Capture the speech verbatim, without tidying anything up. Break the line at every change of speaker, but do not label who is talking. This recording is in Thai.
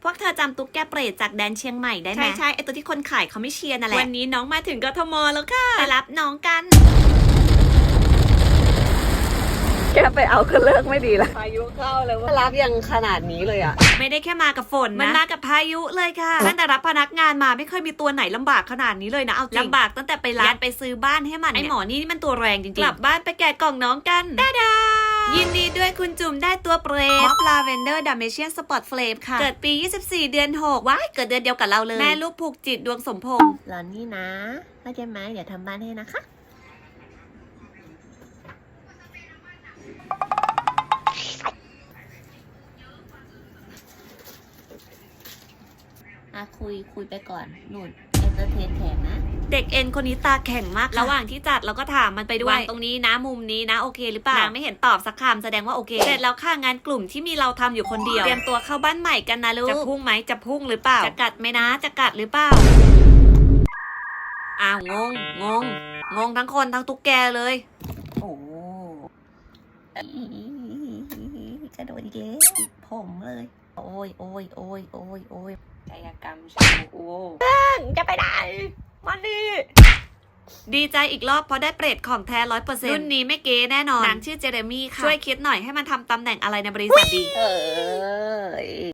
พวกเธอจำตุ๊กแกเปรตจากแดนเชียงใหม่ได้ไหมใช่ใช่ไอตัวที่คนขายเขาไม่เชียร์นั่นแหละวันนี้น้องมาถึงกทมแล้วค่ะไปรับน้องกัน
แกไปเอาก็เลิกไม่ดีละพายุเข้าเลยว่ารับยังขนาดนี้เลยอ่ะ
ไม่ได้แค่มากับฝนนะมันมากับพายุเลยค่ะตั้งแต่รับพนักงานมาไม่เคยมีตัวไหนลำบากขนาดนี้เลยนะเอาจริงลำบากตั้งแต่ไปร้านไปซื้อบ้านให้มันไอหมอนี่มันตัวแรงจริงๆกลับบ้านไปแกะกล่องน้องกันดาดายินดีด้วยคุณจุ่มได้ตัวเปรตม็อบลาเวนเดอร์ดัมเมเชียนสปอตเฟลมค่ะเกิดปียี่สิบสี่เดือนหกว้ายเกิดเดือนเดียวกับเราเลยแม่ลูกผูกจิตดวงสมพงษ์
หลอนนี่นะเข้าใจไหมเดี๋ยวทำบ้านให้นะคะอ่ะคุยคุยไปก่อนหนุนเอนเตอร์เทนแขกนะ
เด็กเอ็นคนนี้ตาแข็งมากระหว่างที่จัดเราก็ถามมันไปด้วยตรงนี้นะมุมนี้นะโอเคหรือเปล่านางไม่เห็นตอบสักคำแสดงว่าโอเคเสร็จแล้วค่ะงานกลุ่มที่มีเราทำอยู่คนเดียวเตรียมตัวเข้าบ้านใหม่กันนะลูกจะพุ่งไหมจะพุ่งหรือเปล่าจะกัดไหมนะจะกัดหรือเปล่าอ้าวงงงงงงทั้งคนทั้งตุ๊กแกเลย
โอ้กระโดดอีกแล้วผมเลยโอ้ยโอ้ยโอ้ยโอ้ยโอ้ยกายกรรมชาวโอ้จะไปไหนมันดิ
ดีใจอีกรอบเพราะได้เปรตของแท้ร้อยเปอร์เซ็นต์รุ่นนี้ไม่เก๋แน่นอนนางชื่อเจเรมี่ค่ะช่วยคิดหน่อยให้มันทำตำแหน่งอะไรในบริษัทดี
เออ